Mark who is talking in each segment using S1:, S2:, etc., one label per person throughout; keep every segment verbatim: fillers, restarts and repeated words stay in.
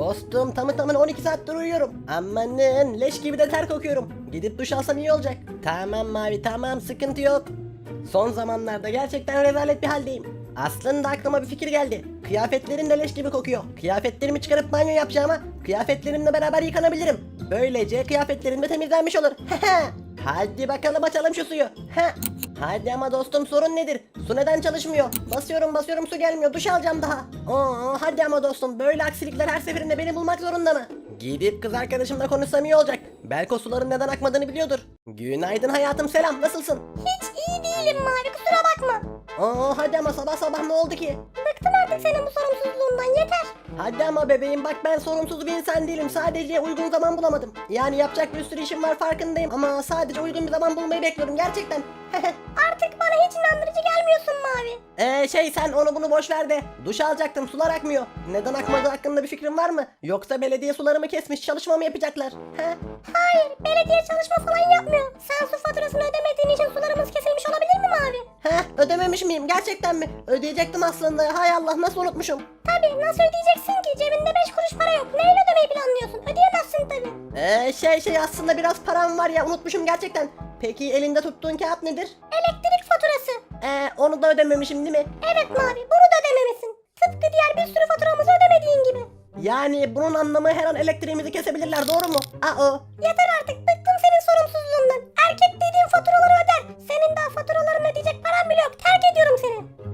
S1: Dostum tamı tamına on iki saattir uyuyorum. Amanın leş gibi de ter kokuyorum. Gidip duş alsam iyi olacak. Tamam Mavi tamam sıkıntı yok. Son zamanlarda gerçekten rezalet bir haldeyim. Aslında aklıma bir fikir geldi. Kıyafetlerim de leş gibi kokuyor. Kıyafetlerimi çıkarıp banyo yapacağıma kıyafetlerimle beraber yıkanabilirim. Böylece kıyafetlerim de temizlenmiş olur. Hadi bakalım açalım şu suyu. Hadi ama dostum sorun nedir? Su neden çalışmıyor? Basıyorum basıyorum su gelmiyor. Duş alacağım daha. Oo, hadi ama dostum böyle aksilikler her seferinde beni bulmak zorunda mı? Gidip kız arkadaşımla konuşsam iyi olacak. Belki o suların neden akmadığını biliyordur. Günaydın hayatım selam nasılsın?
S2: Hiç iyi değilim Mavi, kusura bakma.
S1: Oo hadi ama sabah sabah ne oldu ki?
S2: Bıktım artık senin bu sorumsuzluğundan, yeter.
S1: Hadi ama bebeğim bak ben sorumsuz bir insan değilim. Sadece uygun zaman bulamadım. Yani yapacak bir sürü işim var farkındayım. Ama sadece uygun bir zaman bulmayı bekliyorum gerçekten.
S2: Artık bana hiç inandırıcı gelmiyorsun Mavi.
S1: Eee şey sen onu bunu boş ver de. Duş alacaktım sular akmıyor. Neden akmadığı hakkında bir fikrin var mı? Yoksa belediye sularımı kesmiş çalışma mı yapacaklar? He?
S2: Hayır, belediye çalışma falan yapmıyor. Sen su faturasını ödemediğin için sularımız kesilmiş olabilir mi Mavi?
S1: He ödememiş miyim gerçekten mi? Ödeyecektim aslında. Hay Allah nasıl unutmuşum.
S2: Tabii, nasıl ödeyeceksin ki? Cebinde beş kuruş para yok. Neyle ödemeyi planlıyorsun? Ödeyemezsin tabii.
S1: Eee şey şey aslında biraz param var ya unutmuşum gerçekten. Peki elinde tuttuğun kağıt nedir?
S2: Elektrik faturası.
S1: Eee onu da ödememişim değil mi?
S2: Evet Mavi, bunu da ödememesin. Tıpkı diğer bir sürü faturamızı ödemediğin gibi.
S1: Yani bunun anlamı her an elektriğimizi kesebilirler doğru mu? Aa o.
S2: Yeter artık, bıktım senin sorumsuzluğundan. Erkek dediğin faturaları öder. Senin daha faturalarını ödeyecek paran bile yok. Terk ediyorum seni.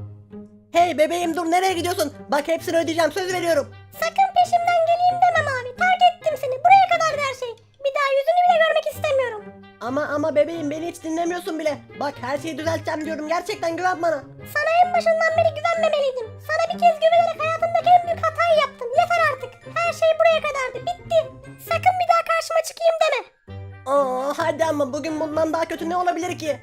S1: Hey bebeğim dur nereye gidiyorsun? Bak hepsini ödeyeceğim söz veriyorum.
S2: Sakın peşimden geleyim deme Mavi. Terk ettim seni. Buraya kadar her şey. Bir daha yüzünü bile görmek istemiyorum.
S1: Ama ama bebeğim beni hiç dinlemiyorsun bile. Bak her şeyi düzelteceğim diyorum gerçekten güven bana.
S2: Sana en başından beri güvenmemeliydim. Sana bir kez güvenerek hayatımdaki en büyük hatayı yaptım. Yeter artık. Her şey buraya kadardı. Bitti. Sakın bir daha karşıma çıkayım deme.
S1: Aa hadi ama bugün bundan daha kötü ne olabilir ki?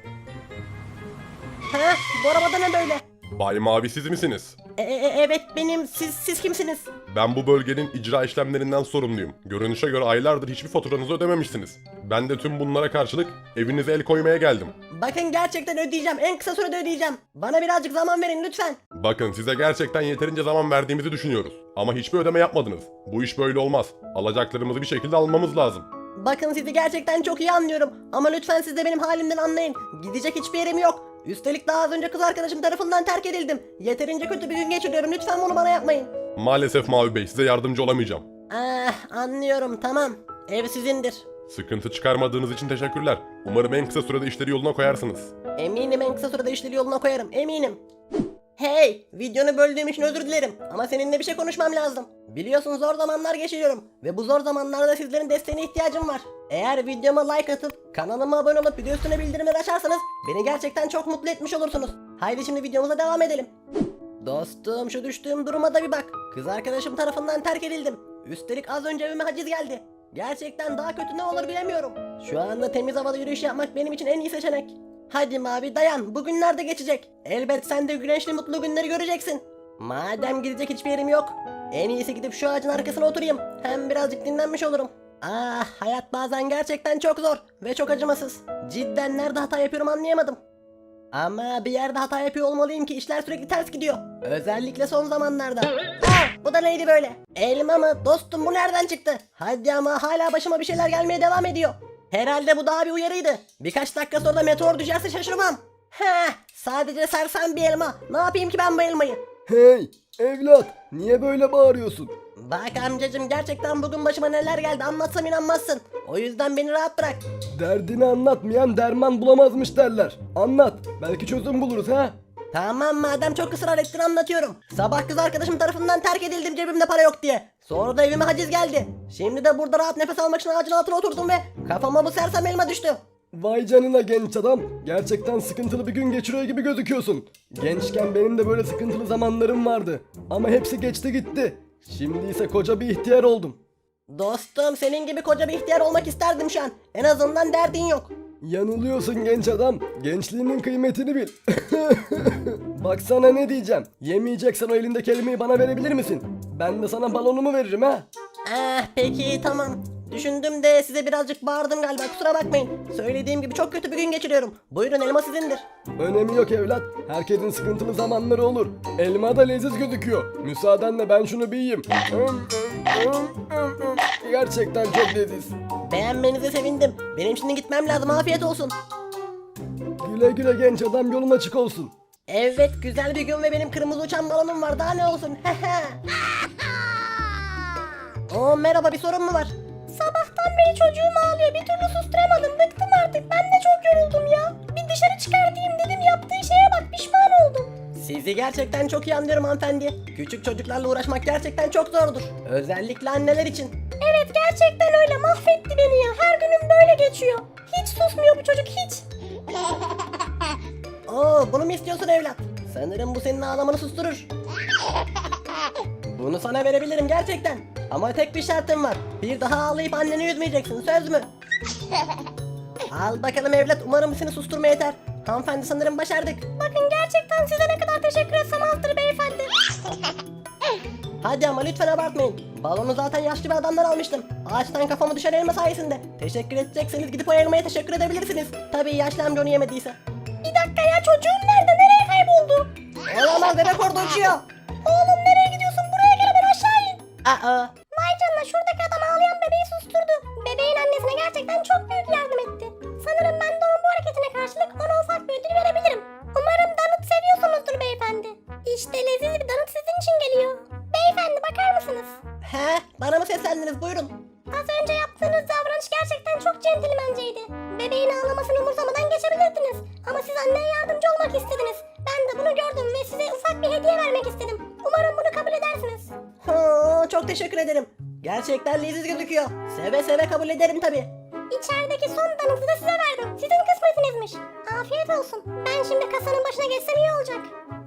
S1: He bu arabada ne böyle?
S3: Bay Mavi siz misiniz?
S1: E, e, evet benim siz siz kimsiniz?
S3: Ben bu bölgenin icra işlemlerinden sorumluyum. Görünüşe göre aylardır hiçbir faturanızı ödememişsiniz. Ben de tüm bunlara karşılık evinize el koymaya geldim.
S1: Bakın gerçekten ödeyeceğim en kısa sürede ödeyeceğim. Bana birazcık zaman verin lütfen.
S3: Bakın size gerçekten yeterince zaman verdiğimizi düşünüyoruz. Ama hiçbir ödeme yapmadınız. Bu iş böyle olmaz. Alacaklarımızı bir şekilde almamız lazım.
S1: Bakın sizi gerçekten çok iyi anlıyorum. Ama lütfen siz de benim halimden anlayın. Gidecek hiçbir yerim yok. Üstelik daha az önce kız arkadaşım tarafından terk edildim. Yeterince kötü bir gün geçiriyorum. Lütfen bunu bana yapmayın.
S3: Maalesef Mavi Bey size yardımcı olamayacağım.
S1: Ah anlıyorum tamam. Ev sizindir.
S3: Sıkıntı çıkarmadığınız için teşekkürler. Umarım en kısa sürede işleri yoluna koyarsınız.
S1: Eminim en kısa sürede işleri yoluna koyarım. Eminim. Hey! Videonu böldüğüm için özür dilerim. Ama seninle bir şey konuşmam lazım. Biliyorsun zor zamanlar geçiriyorum. Ve bu zor zamanlarda sizlerin desteğine ihtiyacım var. Eğer videoma like atıp kanalıma abone olup video üstüne bildirimleri açarsanız beni gerçekten çok mutlu etmiş olursunuz. Haydi şimdi videomuza devam edelim. Dostum şu düştüğüm duruma da bir bak. Kız arkadaşım tarafından terk edildim. Üstelik az önce evime haciz geldi. Gerçekten daha kötü ne olur bilemiyorum. Şu anda temiz havada yürüyüş yapmak benim için en iyi seçenek. Hadi Mavi dayan bu günler de geçecek. Elbet sen de güneşli mutlu günleri göreceksin. Madem gidecek hiçbir yerim yok. En iyisi gidip şu ağacın arkasına oturayım. Hem birazcık dinlenmiş olurum. Ah hayat bazen gerçekten çok zor ve çok acımasız. Cidden nerede hata yapıyorum anlayamadım. Ama bir yerde hata yapıyor olmalıyım ki işler sürekli ters gidiyor. Özellikle son zamanlarda. Aa, bu da neydi böyle? Elma mı? Dostum bu nereden çıktı? Hadi ama hala başıma bir şeyler gelmeye devam ediyor. Herhalde bu daha bir uyarıydı. Birkaç dakika sonra meteor düşerse şaşırmam. Heh, sadece sersem bir elma. Ne yapayım ki ben bu elmayı?
S4: Hey evlat, niye böyle bağırıyorsun?
S1: Bak amcacım gerçekten bugün başıma neler geldi anlatsam inanmazsın. O yüzden beni rahat bırak.
S4: Derdini anlatmayan derman bulamazmış derler. Anlat, belki çözüm buluruz ha.
S1: Tamam madem çok ısrar ettin anlatıyorum. Sabah kız arkadaşım tarafından terk edildim cebimde para yok diye. Sonra da evime haciz geldi. Şimdi de burada rahat nefes almak için ağacın altına oturdum ve kafama bu sersem elma düştü.
S4: Vay canına genç adam, gerçekten sıkıntılı bir gün geçiriyor gibi gözüküyorsun. Gençken benim de böyle sıkıntılı zamanlarım vardı. Ama hepsi geçti gitti. Şimdi ise koca bir ihtiyar oldum.
S1: Dostum senin gibi koca bir ihtiyar olmak isterdim şu an. En azından derdin yok.
S4: Yanılıyorsun genç adam. Gençliğinin kıymetini bil. Baksana ne diyeceğim. Yemeyeceksen o elindeki elmayı bana verebilir misin? Ben de sana balonumu veririm ha.
S1: Ah peki tamam. Düşündüm de size birazcık bağırdım galiba, kusura bakmayın. Söylediğim gibi çok kötü bir gün geçiriyorum. Buyurun, elma sizindir.
S4: Önemi yok evlat. Herkesin sıkıntılı zamanları olur. Elma da leziz gözüküyor. Müsaadenle ben şunu bir yiyeyim. Hım, hım, hım, hım, hım. Gerçekten çok leziz.
S1: Beğenmenize sevindim. Benim şimdi gitmem lazım, afiyet olsun.
S4: Güle güle genç adam, yolun açık olsun.
S1: Evet, güzel bir gün ve benim kırmızı uçan balonum var, daha ne olsun. Oo, merhaba, bir sorun mu var?
S2: Sabahtan beri çocuğum ağlıyor. Bir türlü susturamadım. Bıktım artık. Ben de çok yoruldum ya. Bir dışarı çıkartayım dedim. Yaptığı şeye bak. Pişman oldum.
S1: Sizi gerçekten çok iyi anlıyorum hanımefendi. Küçük çocuklarla uğraşmak gerçekten çok zordur. Özellikle anneler için.
S2: Evet, gerçekten öyle. Mahvetti beni ya. Her günüm böyle geçiyor. Hiç susmuyor bu çocuk, hiç.
S1: Oo, bunu mu istiyorsun evlat? Sanırım bu senin ağlamanı susturur. Bunu sana verebilirim gerçekten. Ama tek bir şartım var. Bir daha ağlayıp anneni üzmeyeceksin, söz mü? Al bakalım evlat, umarım seni susturma yeter. Hanımefendi, sanırım başardık.
S2: Bakın, gerçekten size ne kadar teşekkür etsem azdır beyefendi.
S1: Hadi ama lütfen abartmayın. Balonu zaten yaşlı bir adamdan almıştım. Ağaçtan kafamı düşen elma sayesinde. Teşekkür edecekseniz gidip o elmaya teşekkür edebilirsiniz. Tabii yaşlı amca onu yemediyse.
S2: Bir dakika ya, çocuğum nerede? Nereye kayboldu?
S1: Olamaz, bebek orada uçuyor.
S2: Oğlum, nereye gidiyorsun? Buraya gel, hemen aşağı in.
S1: Aa,
S2: Vay canına, şuradaki adam ağlayan bebeği susturdu. Bebeğin annesine gerçekten çok büyük yardım etti. Sanırım ben de onun bu hareketine karşılık ona ufak bir ödül verebilirim. Umarım donut seviyorsunuzdur beyefendi. İşte leziz bir donut sizin için geliyor. Beyefendi, bakar mısınız?
S1: he, bana mı seslendiniz, buyurun.
S2: Az önce yaptığınız davranış gerçekten çok centilmenceydi. Bebeğin ağlamasını umursamadan geçebilirdiniz. Ama siz anneye yardımcı olmak istediniz. Ben de bunu gördüm ve size ufak bir hediye vermek istedim. Umarım bunu kabul edersiniz.
S1: Ha, çok teşekkür ederim. Gerçekten leziz gözüküyor. Seve seve kabul ederim tabii.
S2: İçerideki son donutu da size verdim. Sizin kısmetinizmiş. Afiyet olsun. Ben şimdi kasanın başına geçsem iyi olacak.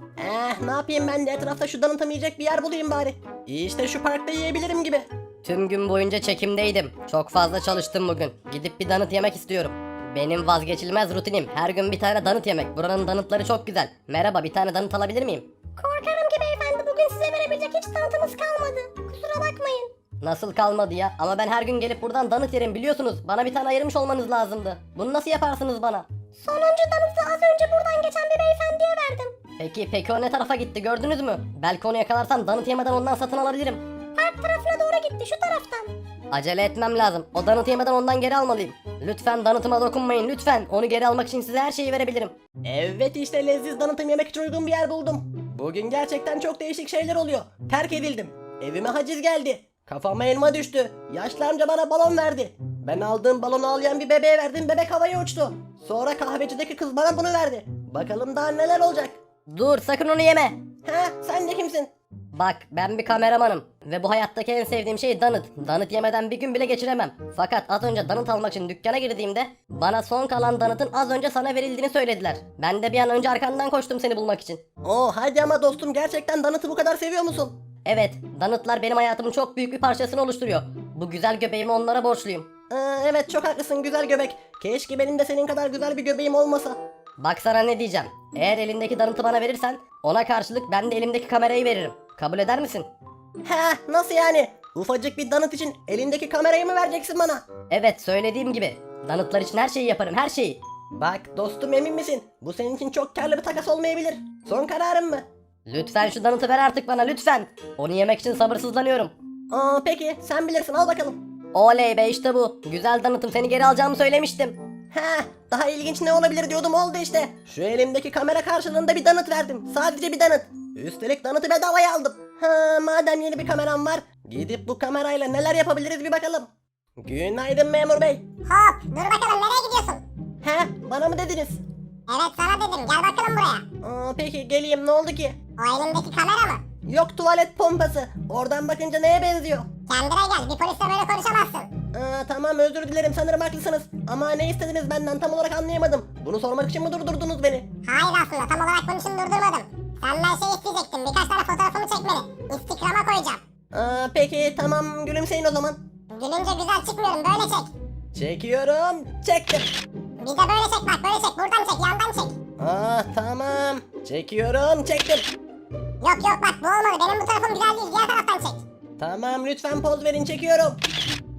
S1: Eh, ne yapayım, ben de etrafta şu donut yiyecek bir yer bulayım bari. İşte şu parkta yiyebilirim gibi.
S5: Tüm gün boyunca çekimdeydim. Çok fazla çalıştım bugün. Gidip bir donut yemek istiyorum. Benim vazgeçilmez rutinim. Her gün bir tane donut yemek. Buranın donutları çok güzel. Merhaba, bir tane donut alabilir miyim?
S2: Korkarım ki beyefendi, bugün size verebilecek hiç donutımız kalmadı. Kusura bakmayın.
S5: Nasıl kalmadı ya? Ama ben her gün gelip buradan donut yerim, biliyorsunuz. Bana bir tane ayırmış olmanız lazımdı. Bunu nasıl yaparsınız bana?
S2: Sonuncu donutu az önce buradan geçen bir beyefendiye verdim.
S5: Peki peki o ne tarafa gitti, gördünüz mü? Belki onu yakalarsam donut yemeden ondan satın alabilirim.
S2: Park tarafına doğru gitti, şu taraftan.
S5: Acele etmem lazım. O donut yemeden ondan geri almalıyım. Lütfen donutuma dokunmayın, lütfen. Onu geri almak için size her şeyi verebilirim.
S1: Evet, işte leziz donutum yemek için uygun bir yer buldum. Bugün gerçekten çok değişik şeyler oluyor. Terk edildim. Evime haciz geldi. Kafama elma düştü. Yaşlı amca bana balon verdi. Ben aldığım balonu ağlayan bir bebeğe verdim, bebek havaya uçtu. Sonra kahvecideki kız bana bunu verdi. Bakalım daha neler olacak.
S5: Dur, sakın onu yeme.
S1: Ha, sen de kimsin?
S5: Bak, ben bir kameramanım ve bu hayattaki en sevdiğim şey donut. Donut yemeden bir gün bile geçiremem. Fakat az önce donut almak için dükkana girdiğimde bana son kalan donutun az önce sana verildiğini söylediler. Ben de bir an önce arkandan koştum seni bulmak için.
S1: Oo, hadi ama dostum, gerçekten donutu bu kadar seviyor musun?
S5: Evet, donutlar benim hayatımın çok büyük bir parçasını oluşturuyor. Bu güzel göbeğimi onlara borçluyum.
S1: Ee, evet, çok haklısın güzel göbek. Keşke benim de senin kadar güzel bir göbeğim olmasa.
S5: Bak sana ne diyeceğim. Eğer elindeki donutu bana verirsen ona karşılık ben de elimdeki kamerayı veririm. Kabul eder misin?
S1: Ha, nasıl yani? Ufacık bir donut için elindeki kamerayı mı vereceksin bana?
S5: Evet, söylediğim gibi. Donutlar için her şeyi yaparım, her şeyi.
S1: Bak dostum, emin misin? Bu senin için çok karlı bir takas olmayabilir. Son kararın mı?
S5: Lütfen şu donutu ver artık bana, lütfen. Onu yemek için sabırsızlanıyorum.
S1: Aa, peki sen bilirsin, al bakalım.
S5: Oley be, işte bu. Güzel donutum, seni geri alacağımı söylemiştim.
S1: Ha, daha ilginç ne olabilir diyordum, oldu işte. Şu elimdeki kamera karşılığında bir donut verdim. Sadece bir donut. Üstelik donutu bedavaya aldım. Ha, madem yeni bir kameram var, gidip bu kamerayla neler yapabiliriz bir bakalım. Günaydın memur bey.
S2: Hop, dur bakalım, nereye gidiyorsun?
S1: He, bana mı dediniz?
S2: Evet, sana dedim, gel bakalım buraya.
S1: Aa, peki geleyim, ne oldu ki?
S2: O elindeki kamera mı?
S1: Yok, tuvalet pompası. Oradan bakınca neye benziyor?
S2: Kendine gel, bir polisle böyle konuşamazsın.
S1: Aa, tamam, özür dilerim, sanırım haklısınız. Ama ne istediniz benden, tam olarak anlayamadım. Bunu sormak için mi durdurdunuz beni?
S2: Hayır, aslında tam olarak bunun için durdurmadım. Senden şey isteyecektim, birkaç tane fotoğrafımı çekmeni. Instagram'a koyacağım.
S1: Aa, peki tamam, gülümseyin o zaman.
S2: Gülünce güzel çıkmıyorum, böyle çek.
S1: Çekiyorum, çektim.
S2: Bir de böyle çek, bak böyle çek, buradan çek, yandan çek.
S1: Aa, tamam, çekiyorum, çektim.
S2: Yok yok, bak bu olmadı, benim bu tarafım güzel değil, diğer taraftan çek.
S1: Tamam, lütfen poz verin, çekiyorum.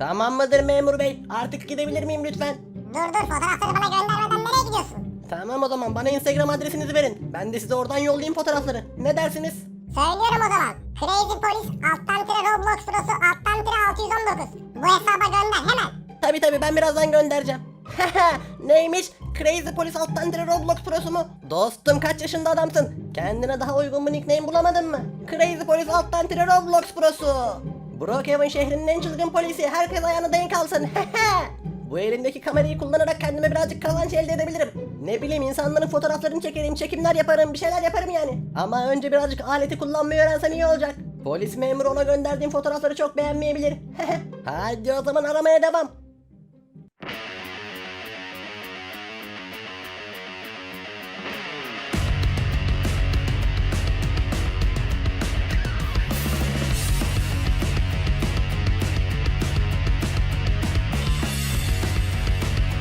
S1: Tamam mıdır memur bey? Artık gidebilir miyim lütfen?
S2: Dur dur fotoğrafları bana göndermeden nereye gidiyorsun?
S1: Tamam o zaman bana Instagram adresinizi verin. Ben de size oradan yollayayım fotoğrafları. Ne dersiniz?
S2: Söylüyorum o zaman. Crazy Police alttan tire Roblox Pro'su alttan tire altı yüz on dokuz. Bu hesaba gönder hemen.
S1: Tabi tabi ben birazdan göndereceğim. Neymiş? Crazy Police alttan tire Roblox Pro'su mu? Dostum kaç yaşında adamsın? Kendine daha uygun bir nickname bulamadın mı? Crazy Police alttan tire Roblox Pro'su. Brookhaven şehrinin en çılgın polisi. Herkes ayağına denk alsın. Bu elimdeki kamerayı kullanarak kendime birazcık kazanç elde edebilirim. Ne bileyim insanların fotoğraflarını çekerim, çekimler yaparım, bir şeyler yaparım yani. Ama önce birazcık aleti kullanmayı öğrensem iyi olacak. Polis memuru ona gönderdiğim fotoğrafları çok beğenmeyebilir. Hadi o zaman aramaya devam.